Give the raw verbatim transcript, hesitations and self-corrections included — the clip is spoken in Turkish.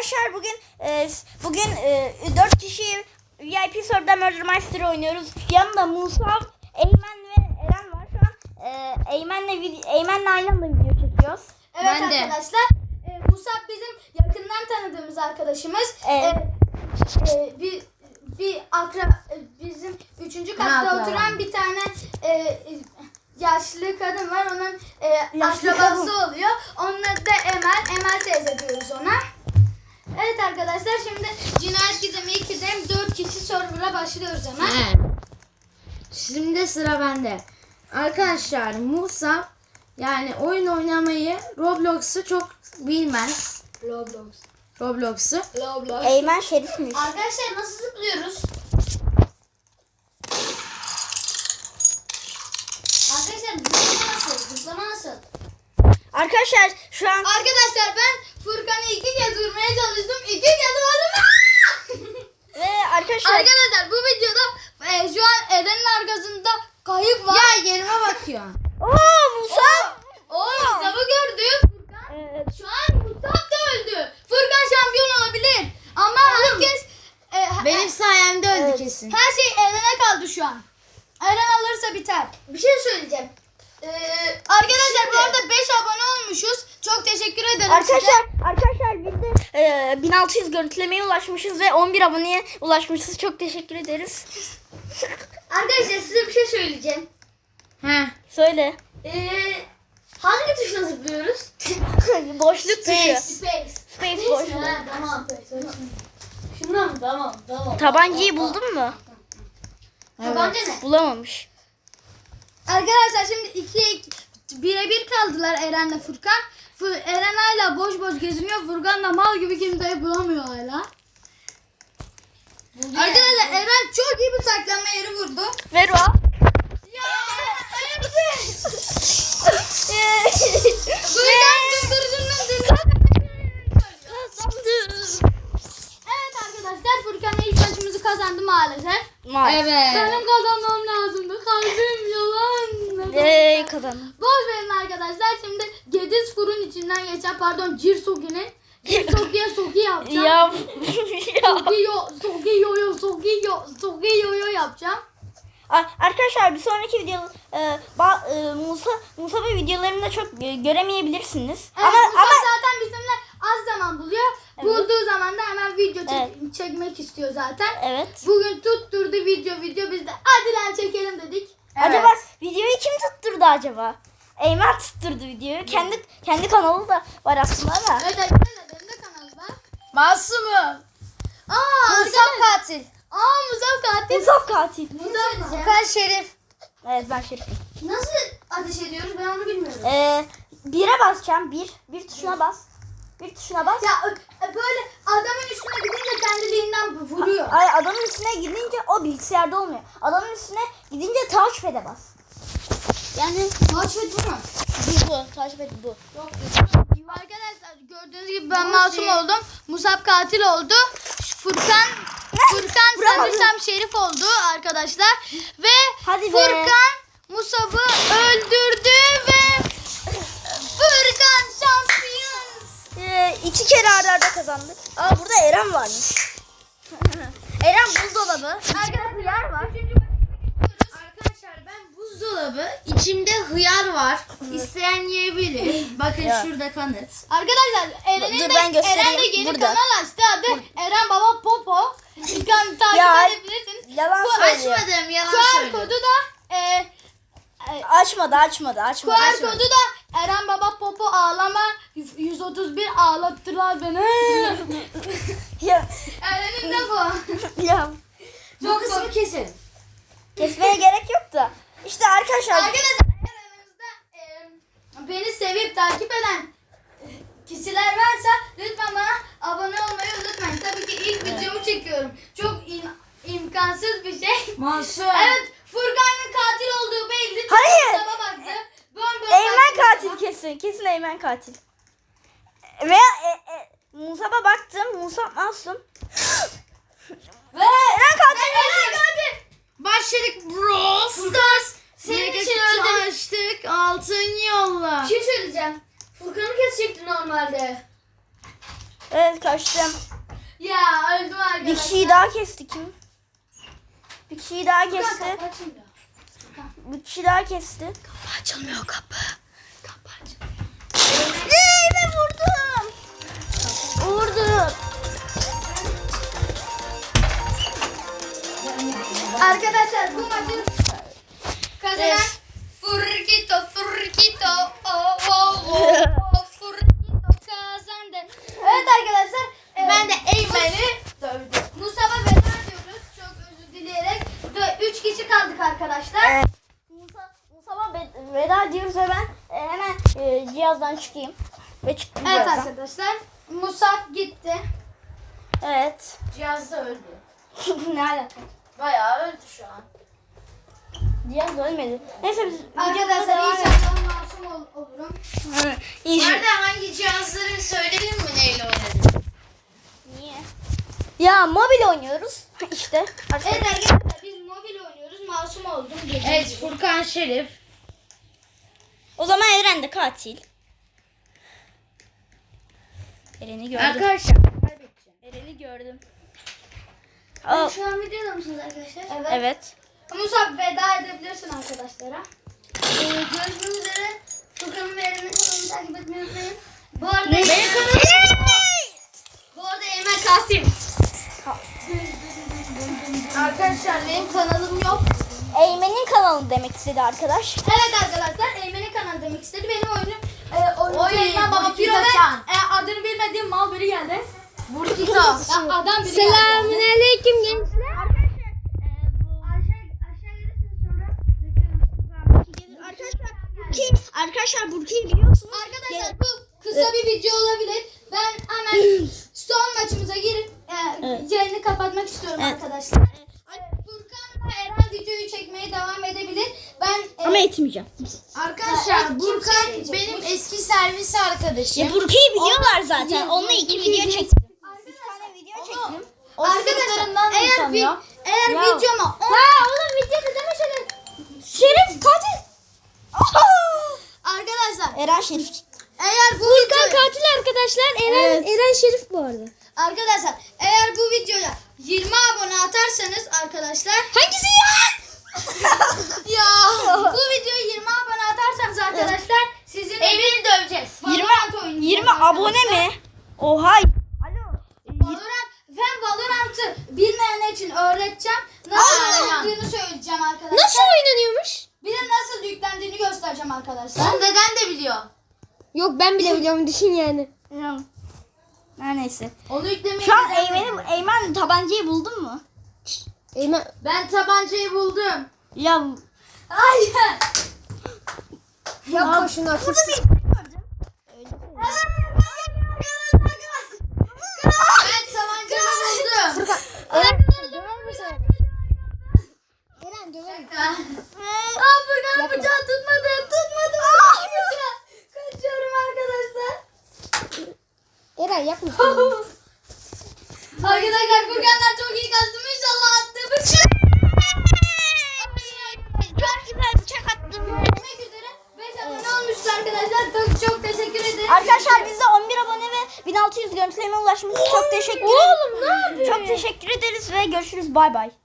arkadaşlar bugün e, bugün e, dört kişi V I P Server'da Murder Mystery oynuyoruz. Yanımda Musab, Eymen ve Eren var. Şu an e, Eymen'le Eymen'le aynı anda video çekiyoruz. Evet Ben arkadaşlar. E, Musab bizim yakından tanıdığımız arkadaşımız. Evet. E, e, bir bir akra e, bizim üçüncü katta akra? oturan bir tane e, e, yaşlı kadın var. Onun e, Yaşlı akrabası kadın. oluyor. Onun adı da Emel. Emel teyze diyoruz ona. Evet arkadaşlar, şimdi Cinayet Gizemi ikide dört kişi server'a başlıyoruz hemen. Evet. Şimdi sıra bende. Arkadaşlar Musa yani oyun oynamayı, Roblox'u çok bilmez. Roblox. Roblox'u. Roblox. Eymen şerifmiş. Arkadaşlar nasıl zıplıyoruz? Arkadaşlar zıplama nasıl? Zıplama nasıl? Arkadaşlar şu an Arkadaşlar ben Furkan'ı iki kez vurmaya çalıştım. İki kez vurdum. ve arkadaşlar Arkadaşlar bu videoda e, şu an Eren'in arkasında kayık var. Ya yerime bakıyor. Oo Musab. O Musab'ı gördü. Furkan. Evet. Şu an Musab da öldü. Furkan şampiyon olabilir. Ama herkes e, Benim sayemde öldü Evet. kesin. her şey Eren'e kaldı şu an. Eren alırsa biter. Bir şey söyleyeceğim. Ee, arkadaşlar bu arada beş abone olmuşuz. Çok teşekkür ederim Arkadaşlar size. arkadaşlar biz de e, bin altı yüz görüntülemeye ulaşmışız ve on bir aboneye ulaşmışız. Çok teşekkür ederiz. Arkadaşlar size bir şey söyleyeceğim. He. Söyle. Ee, hangi tuşla zıplıyoruz? Boşluk tuşu. Space. Space boşluk. Ha, tamam. Şundan mı? Tamam. Tamam. Tabancayı buldun mu? Tabanca ne? Bulamamış. Arkadaşlar şimdi ikiye birebir kaldılar Eren'le Furkan. Fu- Eren hala boş boş geziniyor. Furkan da mal gibi kimseyi bulamıyor hala. Arkadaşlar Eren çok iyi bir saklanma yeri vurdu. Ver o. Ya Furkan dındırıcının dındırıcının. Evet arkadaşlar, Furkan ilk maçımızı kazandı maalesef. Maalesef. Evet. Benim kazanmam lazımdı. Kalbim yalan. Eee kazandım. Boş verin arkadaşlar. Şimdi Gediz Fur'un içinden geçen, pardon, Cirsogi'nin Cirsogi'ye Sogi yapacağım. Ya. ya. Sogiyo, Sogiyo'yo, Sogiyo, Sogiyo'yo yapacağım. Ar- Arkadaşlar bir sonraki video e, ba- e, Musa Musa ve videolarını çok e, göremeyebilirsiniz. Evet, ama Musa ama zaten bizimle az zaman buluyor. Evet. Bulduğu zaman da hemen video çek- Evet. çekmek istiyor zaten. evet. Bugün tutturdu video video, biz de hadi lan çekelim dedik. Acaba videoyu kim tutturdu acaba? Eymen tutturdu videoyu. Kendi kendi kanalı da var aslında ama. Evet arkadaşlar, benim de kanalım var. Masumum. Aa, Musab arkadaşlar. katil. Aa, Musab katil. Musab katil. Musab Furkan Şerif. Evet ben şerifim. Nasıl ateş ediyoruz, ben onu bilmiyorum. Ee, bire basacağım. Bir. Bir tuşuna bas. Bir tuşuna bas. Ya ö- böyle adamın üstüne gidince kendiliğinden vuruyor. Ay adamın üstüne gidince o bilgisayarda olmuyor. Adamın üstüne gidince touchpad'e bas. Yani touchpad bu mu? Bu bu. Touchpad bu. Yok. Arkadaşlar gördüğünüz gibi ben masum oldum. Musab katil oldu. Furkan Furkan Vuramadım. sanırsam şerif oldu arkadaşlar. Ve Hadi be. Furkan Musab'ı öldürdü ve Furkan şampiyon. Ee, iki kere arda arda kazandık. Aa burada Eren varmış. Eren buzdolabı. Arkadaşlar yer var. Arkadaşlar ben buzdolabı, içimde hıyar var. İsteyen yiyebilir. Bakın Ya. şurada kanıt. Arkadaşlar Eren'in Dur, de, ben göstereyim. Eren de yeni Burada. kanal açtı. Adı Eren Baba Popo. Kan takip Ya, edebilirsiniz. Yalan Bu söylüyor. Açmadım, yalan Q R söylüyorum. kodu da e, e, Açmadı açmadı açmadı. Q R açmadı. kodu da Eren Baba Popo ağlama yüz otuz bir ağlattılar beni. Ya, Eren'in de bu. ya. Bu kısmı kesin. Kesmeye gerek yok da. İşte arkadaşlar. Arkadaşlar eğer aranızda e, beni sevip takip eden e, kişiler varsa lütfen bana abone olmayı unutmayın. Tabii ki ilk videomu çekiyorum. Çok im- imkansız bir şey. Masum. Evet, Furkan'ın katil olduğu belli. Çünkü Hayır. Musab'a baktı. Bön bön Eymen baktı katil Musab'a. kesin. Kesin Eymen katil. Veya e, e, Musab'a baktım. Musab masum. Ve Eren katil. Eren katil. Başladık bro. Stars. senin Senin için için öldüm. açtık. Altın yolla. Bir şey söyleyeceğim. Furkan'ı kesecekti normalde. Evet kaçtım. Ya öldüm arkadaşlar. Bir kişiyi daha kesti kim? Bir kişiyi daha Furkan, kesti. kapı açılmıyor. Bir kişi daha kesti. Kapı açılmıyor kapı. Kapı açılmıyor. Eee vurdum. Vurdum. Arkadaşlar bu maçı kazanan Evet. Furkito Furkito oh oh oh oh Furkito kazandı. Evet arkadaşlar e, Ben de Eymen'i dövdüm. Musab'a veda diyoruz. Çok özür dileyerek. Üç kişi kaldık arkadaşlar. Evet. Musa, Musab'a ve- veda diyoruz ve ben e, hemen e, cihazdan çıkayım. Ve çıktım Evet cihazdan. arkadaşlar. Musab gitti. Evet. Cihazda öldü. Ne alaka? Bayağı öldü şu an. Cihaz ölmedi. Neyse biz Arkadaşlar videomuza devam inşallah masum ol- olurum. edelim. İnşallah. Nerede hangi cihazları söyledin mi neyle oynadın? Niye? Ya mobil oynuyoruz. İşte. Evet arkadaşlar biz mobil oynuyoruz. Masum oldum. Evet Furkan Şerif. O zaman Eren de katil. Eren'i gördüm. Arkadaşlar kaybedeceğim. Eren'i gördüm. Aa. Aa, Şu an videoda mısınız arkadaşlar? Evet. evet. Musab veda edebilirsin arkadaşlara. Ee, görüşmek üzere. Furkan'ın ve Eren'in kanalını takip etmeyi unutmayın. Bu arada Ne? Eymen kanalım. Bu arada Eymen katil. Arkadaşlar benim kanalım yok. Eymen'in kanalı demek istedi arkadaş. Evet arkadaşlar Eymen'in kanalı demek istedi. Benim oyunum e, oyuncu Oy, Eymen Baba Burkito Piro ve Can. e, adını bilmediğim mal biri geldi. Burkito. Ya, adam biri geldi. Selamünaleyküm gençler. Arkadaşlar e, bu aşağı, aşağı gelirsiniz sonra bekliyorum. Arkadaşlar Burki, arkadaşlar Burki'yi biliyorsunuz. Arkadaşlar bu kısa bir video olabilir. Ben hemen son maçımıza girip e, Evet. yayını kapatmak istiyorum Evet. arkadaşlar. E, Furkan'la Eren videoyu çekmeye devam edebilir. Ben e, Ama etmeyeceğim. Arkadaşlar Evet, Burkan kimse- benim eski servis arkadaşım. Ya Burki'yi biliyorlar zaten. Onunla iki video çektim. Bir tane video çektim. O arkadaşlar sırtlarından eğer, vi, tanıyor. eğer Ya. videoma on... oğlum videoda deme şöyle. Şerif katil. Arkadaşlar Eren Şerif. eğer bu videoya... katil arkadaşlar. Eren, Eren Şerif bu arada. Arkadaşlar eğer bu videoya yirmi abone atarsanız arkadaşlar... Hangisi ya? Ya bu videoya yirmi abone atarsanız arkadaşlar sizinle Eymen'i döveceğiz. Valorant oynayacağız yirmi arkadaşlar. abone mi? Oha. Alo. Valorant, ben Valorant'ı bilmeyen için öğreteceğim. Nasıl Aa. oynandığını söyleyeceğim arkadaşlar. oynanıyormuş? Bir de nasıl yüklendiğini göstereceğim arkadaşlar. Onu deden de biliyor. Yok ben bile biliyorum düşün yani. Her neyse. Onu yüklemeyi Şu an deden de Eymen'i biliyor. Eymen tabancayı buldun mu? Eymen Ben tabancayı buldum. Ya Hayır. yapma şunu burada artık. bir gördüm. Ben tabancamı buldum. Eren döverim. Aa Furkan'ın bıçağı tutmadı. Tutmadı. Aa, bıçağı. Kaçıyorum arkadaşlar. Eren yapma. Arkadaşlar Furkan'dan çok iyi kaçtım. İnşallah attığı bıçak. Çok güzel bıçak attım. Görüşmek üzere. beş abone olmuştu arkadaşlar. Çok çok teşekkür ederim. Arkadaşlar bize on bir abone ve bin altı yüz görüntüleme ulaşmış. Çok teşekkür ederiz. Oğlum ne yapıyorsun? Çok teşekkür ederiz ve görüşürüz. Bay bay.